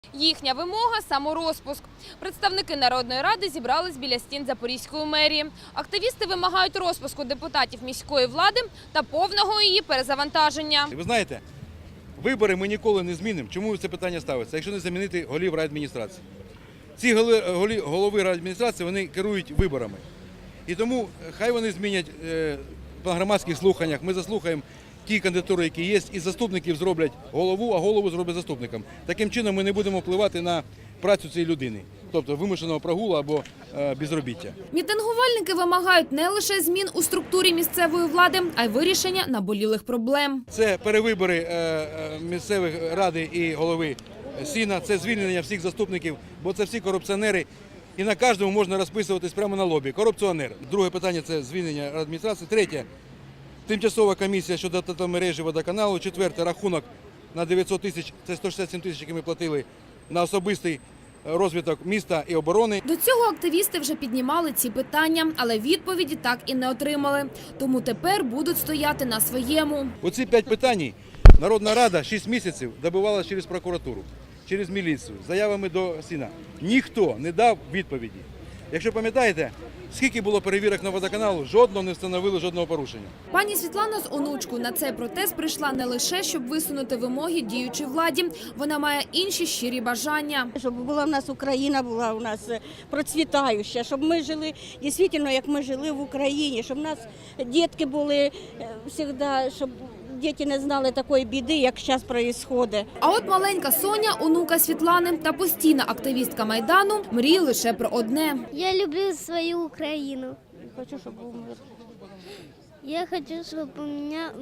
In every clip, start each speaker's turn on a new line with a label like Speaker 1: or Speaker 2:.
Speaker 1: Їхня вимога – саморозпуск. Представники Народної ради зібрались біля стін Запорізької мерії. Активісти вимагають розпуску депутатів міської влади та повного її перезавантаження.
Speaker 2: Ви знаєте, вибори ми ніколи не змінимо. Чому це питання ставиться? Якщо не замінити голів райадміністрації. Ці голови райадміністрації, вони керують виборами. І тому хай вони змінять по громадських слуханнях. Ми заслухаємо ті кандидатури, які є, і заступників зроблять голову, а голову зроблять заступником. Таким чином ми не будемо впливати на працю цієї людини, тобто вимушеного прогулу або безробіття.
Speaker 1: Мітингувальники вимагають не лише змін у структурі місцевої влади, а й вирішення наболілих проблем.
Speaker 2: Це перевибори місцевих ради і голови Сіна, це звільнення всіх заступників, бо це всі корупціонери. І на кожному можна розписуватись прямо на лобі. Корупціонер. Друге питання – це звільнення адміністрації. Третє – тимчасова комісія щодо тепломережі водоканалу. Четверте – рахунок на 900 тисяч, це 167 тисяч, які ми платили на особистий розвиток міста і оборони.
Speaker 1: До цього активісти вже піднімали ці питання, але відповіді так і не отримали. Тому тепер будуть стояти на своєму.
Speaker 2: Оці 5 питань Народна Рада 6 місяців добивалася через прокуратуру, через міліцію, з заявами до Сіна. Ніхто не дав відповіді. Якщо пам'ятаєте, скільки було перевірок на водоканалу, жодного не встановили жодного порушення.
Speaker 1: Пані Світлана з онучкою на цей протест прийшла не лише, щоб висунути вимоги діючій владі. Вона має інші щирі бажання.
Speaker 3: Щоб була в нас Україна, була у нас процвітаюча, щоб ми жили дійсно, як ми жили в Україні, щоб у нас дітки були завжди, щоб діти не знали такої біди, як зараз відбувається.
Speaker 1: А от маленька Соня, онука Світлани та постійна активістка Майдану, мріє лише про одне.
Speaker 4: Я люблю свою Украину.
Speaker 3: Хочу, щоб був мир.
Speaker 4: Я хочу, чтобы у меня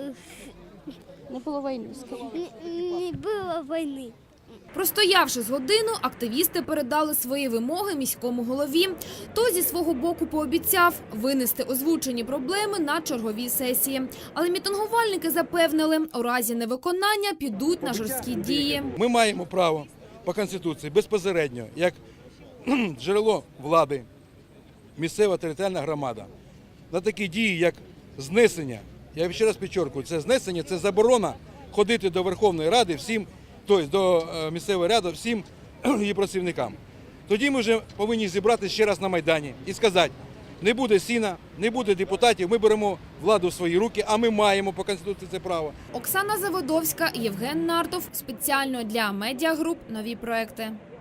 Speaker 3: Не було війни.
Speaker 4: не было войны.
Speaker 1: Простоявши з годину, активісти передали свої вимоги міському голові. Той зі свого боку пообіцяв винести озвучені проблеми на черговій сесії. Але мітингувальники запевнили, у разі невиконання підуть на жорсткі дії.
Speaker 2: Ми маємо право по Конституції безпосередньо, як джерело влади, місцева територіальна громада, на такі дії, як знесення. Я ще раз підчеркую, це знесення, це заборона ходити до Верховної Ради всім, тобто до місцевої ради всім її працівникам. Тоді ми вже повинні зібратися ще раз на Майдані і сказати, не буде Сіна, не буде депутатів, ми беремо владу в свої руки, а ми маємо по Конституції це право.
Speaker 1: Оксана Заводовська, Євген Нартов. Спеціально для Медіагруп «Нові проекти».